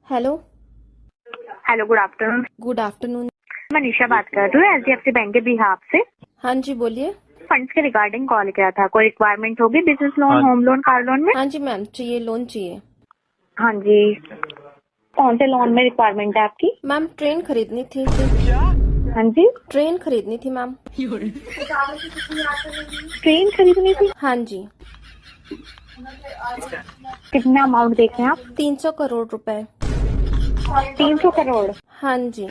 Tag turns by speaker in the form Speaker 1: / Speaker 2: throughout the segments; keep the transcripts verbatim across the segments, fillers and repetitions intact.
Speaker 1: Hello
Speaker 2: hello, good afternoon.
Speaker 1: Good afternoon.
Speaker 2: मैं निशा बात कर रही हूँ H D F C bank के बिहाफ से।
Speaker 1: हाँ जी बोलिए।
Speaker 2: फंड्स के रिगार्डिंग कॉल किया था। कोई रिक्वायरमेंट होगी business loan, home loan, car loan में?
Speaker 1: हाँ जी मैम, चाहिए लोन चाहिए।
Speaker 2: हाँ जी, कौन से लोन में रिक्वायरमेंट है आपकी?
Speaker 1: मैम ट्रेन खरीदनी थी।
Speaker 2: हाँ जी,
Speaker 1: ट्रेन खरीदनी थी मैम।
Speaker 2: ट्रेन खरीदनी थी।
Speaker 1: हाँ जी।
Speaker 2: कितना अमाउंट देख रहे हैं आप?
Speaker 1: तीन सौ करोड़ रुपए।
Speaker 2: तीन सौ करोड़।
Speaker 1: हाँ जी।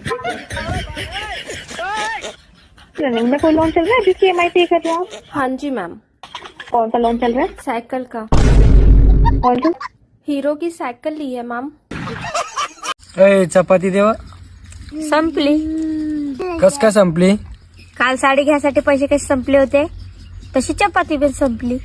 Speaker 2: रनिंग में कोई लोन चल रहा है जिसकी ई एम आई पे कर रहे हो आप?
Speaker 1: हाँ जी मैम।
Speaker 2: कौन सा लोन चल रहा है?
Speaker 1: साइकिल का।
Speaker 2: कौन सा?
Speaker 1: हीरो की साइकिल ली है मैम।
Speaker 3: ए चपाती देवा.
Speaker 4: संपली.
Speaker 3: कस काय संपली?
Speaker 4: काल साडी घ्यायसाठी पैसे कसे संपले होते तशी चपाती पण संपली.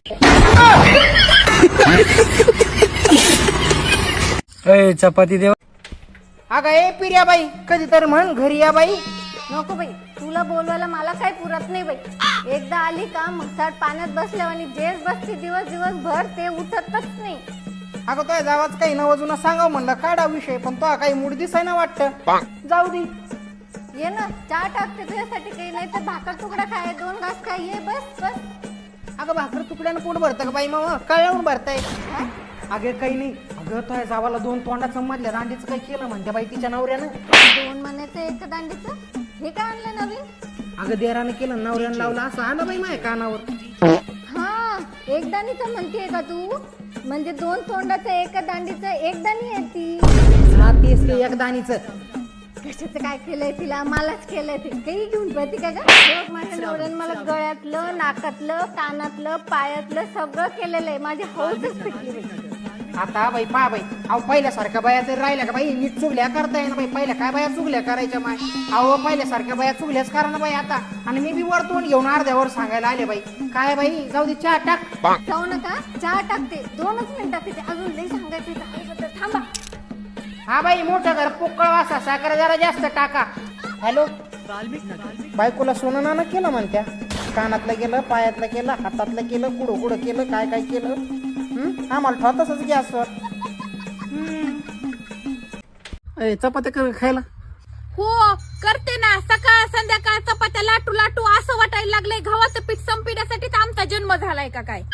Speaker 3: ए चपाती देवा.
Speaker 5: अगं ए पिर्या बाई, कधी तर म्हण घरी या बाई.
Speaker 6: नको बाई, तुला बोलवायला मला काही पुरत नाही बाई. एकदा आली का मसाड पाण्यात बसल्यावर आणि जेच बसते दिवस दिवसभर ते उठतच नाही.
Speaker 5: अगं तो जावाच काही नवजून सांगाव म्हणलं काढा विषय, पण तो काही मूड दिसाय ना वाटतं. जाऊ दे.
Speaker 6: ये ना, चहा टाकते तुझ्यासाठी, काही नाही तर भाकर तुकडा खाय, दोन घास खाय, ये बस बस.
Speaker 5: अगं भाकर तुकड्यानं पोट भरतं का बाई मामा? कळवून भरताय. अगे काही नाही. अगं तो जावाला दोन तोंडाचं मधल्या दांडीचं काही केलं म्हणते बाई तिच्या नवऱ्यानं.
Speaker 6: दोन महिन्याचं एक दांडीचं हे काय आणलं नवीन?
Speaker 5: अगं देरानं केलं, नवऱ्यानं लावलं, असं आलं बाई माझ्या कानावर.
Speaker 6: हा, एक दाणीचं म्हणतेय का तू? म्हणजे दोन तोंडाचं एक दांडीचं एक दाणी आहे ती.
Speaker 5: हा तेच ते एक दाणीचं.
Speaker 6: कशाचं काय केलंय तिला? मलाच केलंय ते. काही घेऊन पळते का ग? बघ, माझ्या नवऱ्यानं मला गळ्यातलं, नाकातलं, कानातलं, पायातलं सगळं केलेलं आहे. माझी हौसच पिटली बाई.
Speaker 5: आता बाई पा बाई, अहो पहिल्यासारख्या बाया तरी राहिल्या का बाई? नीट चुगल्या करताय ना बाई. पहिल्या काय बाया चुगल्या करायच्या माय? अहो पहिल्यासारख्या बाया चुगल्याच करा ना बाई आता. आणि मी बी वर तोंड घेऊन अर्ध्यावर सांगायला आले बाई. काय बाई, जाऊ दे चहा टाक.
Speaker 6: जाऊ नका, चहा टाकते. दोनच मिनिटात तिथे अजून लई सांगायचं. थांबा.
Speaker 5: हा बाई, मोठं घर पोकळ वासा, साखर जरा जास्त टाका. हॅलो, बायकोला सोनं नाणं केलं म्हणत्या. कानातलं केलं, पायातलं केलं, हातातलं केलं, कुडं कुडं केलं, काय काय केलं. हम्म, आम्हाला ठेवतच गॅसवर. चपात्या कर खायला.
Speaker 7: हो करते ना, सकाळ संध्याकाळ चपात्या लाटू लाटू असं वाटायला लागलंय गव्हाचं पीठ संपण्यासाठीच आमचा जन्म झालाय का काय?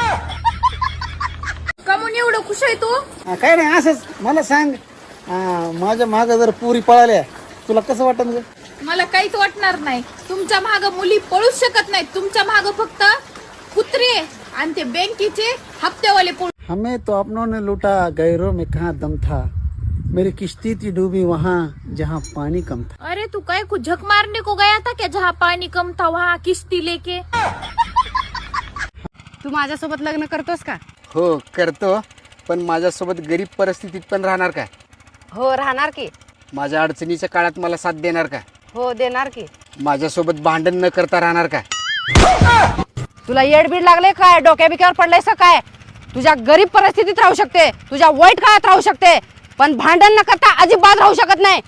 Speaker 7: कमून एवढं खुश आहे तू?
Speaker 8: काय नाही, असंच. मला सांग, माझ्या माग जर पुरी पळाल्या तुला कसं वाटत ग?
Speaker 7: मला काहीच वाटणार नाही. तुमच्या माग मुली पळूच शकत नाहीत. तुमच्या माग फक्त कुत्रे आणि ते बँकेचे हप्तेवाले पळू.
Speaker 8: हमें तो अपनों ने लूटा, गैरों में कहाँ दम था. मेरी किश्ती थी डूबी वहाँ जहाँ पानी कम था.
Speaker 7: अरे तू काय को झक मारने को गया था क्या जहाँ पानी कम था वहाँ किश्ती लेके?
Speaker 9: तू माझ्यासोबत लग्न करतोस का?
Speaker 8: हो करतो, पण माझ्यासोबत गरीब परिस्थितीत पण राहणार का?
Speaker 9: हो राहणार की.
Speaker 8: माझ्या अडचणीच्या काळात मला साथ देणार का?
Speaker 9: हो देणार की.
Speaker 8: माझ्यासोबत भांडण न करता राहणार का?
Speaker 9: तुला येडबीड लागले काय? डोक्या बिक्यावर पडलायस काय? तुझ्या गरीब परिस्थितीत राहू शकते, तुझ्या वाईट काळात राहू शकते, पण भांडण न करता अजिबात राहू शकत नाही.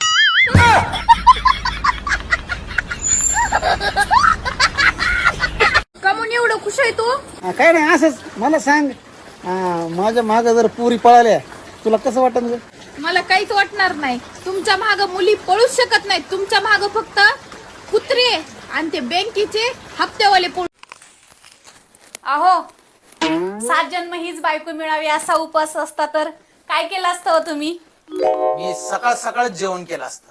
Speaker 7: कमून एवढं खुश आहे तू?
Speaker 8: काय नाही, असंच. मला सांग, माझ्या माग जर पुरी पळाल्या तुला कसं वाटत ग?
Speaker 7: मला काहीच वाटणार नाही. तुमच्या माग मुली पळूच शकत नाहीत. तुमच्या माग फक्त कुत्रे आणि ते बँकेचे हप्तेवाले पळू. अहो, सात जन्म हीच बायको मिळावी असा उपास असता तर काय केलं असतं हो तुम्ही?
Speaker 10: मी सकाळ सकाळ जेवण केलं असतं.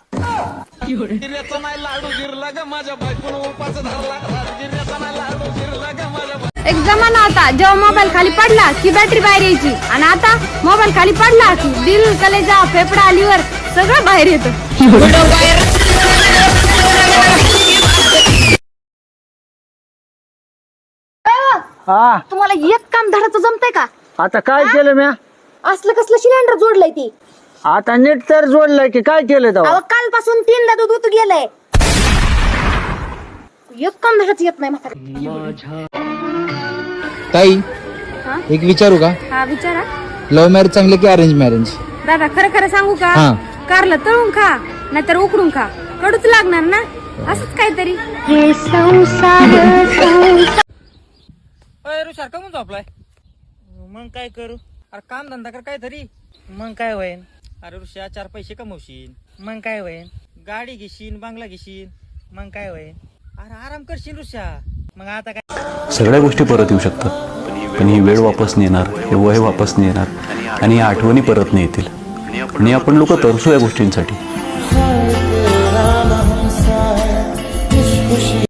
Speaker 4: एक जमाना होता जेव्हा मोबाईल खाली पडला की बॅटरी बाहेर यायची, आणि आता मोबाईल खाली पडला की दिल, कलेजा, फेफडा, लिव्हर सगळं बाहेर येतं.
Speaker 3: हा,
Speaker 6: तुम्हाला एक काम धडाचं जमतंय का?
Speaker 3: आता काय केलं म्या?
Speaker 6: असलं कसलं सिलेंडर जोडलंय ती?
Speaker 3: आता नीट तर जोडलंय की काय केलं तेव्हा?
Speaker 6: अहो कालपासून तीनदा दूध उतू गेलंय. एक काम धडाचं येत नाही म्हातारी.
Speaker 10: ताई, एक विचारू का?
Speaker 4: हा विचारा.
Speaker 10: लव्ह मॅरेज चांगले की अरेंज मॅरेज?
Speaker 4: दादा खरं खरं सांगू का?
Speaker 10: हा.
Speaker 4: कारलं तळून खा नाहीतर उकडून खा, कडूच लागणार ना. असंच काहीतरी.
Speaker 5: अरे ऋषार कमून झोपलाय? मग काय करू? अरे काम धंदा कर काहीतरी. मग काय होईन?
Speaker 3: अरे ऋषा चार पैसे कमवशील मग काय होईल? गाडी घेशील, बंगला घेशील, मग काय होईल? अरे आराम करशील ऋषा. मग आता काय?
Speaker 11: सगळ्या गोष्टी परत येऊ शकतात, पण ही वेळ वापस नाही येणार, हे वय वापस नाही येणार आणि या आठवणी परत नाही येतील. आणि आपण लोक तरसू या गोष्टींसाठी.